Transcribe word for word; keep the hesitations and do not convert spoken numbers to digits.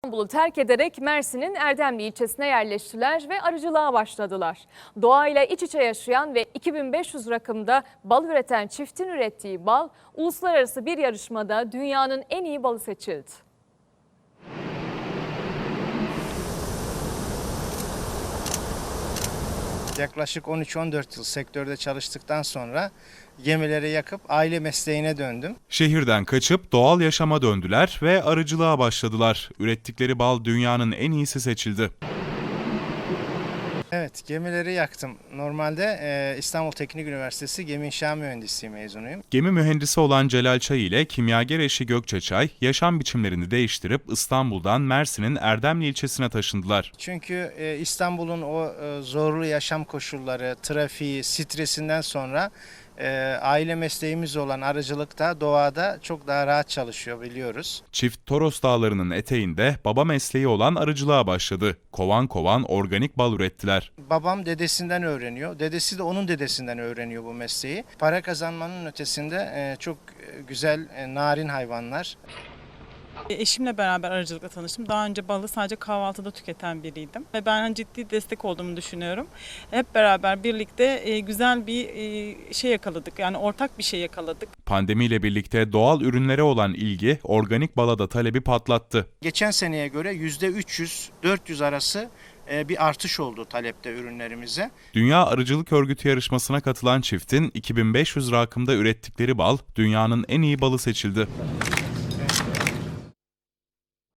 İstanbul'u terk ederek Mersin'in Erdemli ilçesine yerleştiler ve arıcılığa başladılar. Doğayla iç içe yaşayan ve iki bin beş yüz rakımda bal üreten çiftin ürettiği bal, uluslararası bir yarışmada dünyanın en iyi balı seçildi. Yaklaşık on üç on dört yıl sektörde çalıştıktan sonra gemileri yakıp aile mesleğine döndüm. Şehirden kaçıp doğal yaşama döndüler ve arıcılığa başladılar. Ürettikleri bal dünyanın en iyisi seçildi. Evet, gemileri yaktım. Normalde e, İstanbul Teknik Üniversitesi Gemi İnşa Mühendisliği mezunuyum. Gemi mühendisi olan Celal Çay ile kimyager eşi Gökçe Çay, yaşam biçimlerini değiştirip İstanbul'dan Mersin'in Erdemli ilçesine taşındılar. Çünkü e, İstanbul'un o e, zorlu yaşam koşulları, trafiği, stresinden sonra e, aile mesleğimiz olan arıcılıkta, doğada çok daha rahat çalışıyor biliyoruz. Çift Toros Dağları'nın eteğinde baba mesleği olan arıcılığa başladı. Kovan kovan organik bal ürettiler. Babam dedesinden öğreniyor, dedesi de onun dedesinden öğreniyor bu mesleği. Para kazanmanın ötesinde e, çok güzel, e, narin hayvanlar. Eşimle beraber arıcılıkla tanıştım. Daha önce balı sadece kahvaltıda tüketen biriydim. Ve ben ciddi destek olduğumu düşünüyorum. Hep beraber birlikte güzel bir şey yakaladık. Yani ortak bir şey yakaladık. Pandemiyle birlikte doğal ürünlere olan ilgi organik bala da talebi patlattı. Geçen seneye göre yüzde üç yüz dört yüz arası bir artış oldu talepte ürünlerimize. Dünya Arıcılık Örgütü yarışmasına katılan çiftin iki bin beş yüz rakımda ürettikleri bal dünyanın en iyi balı seçildi.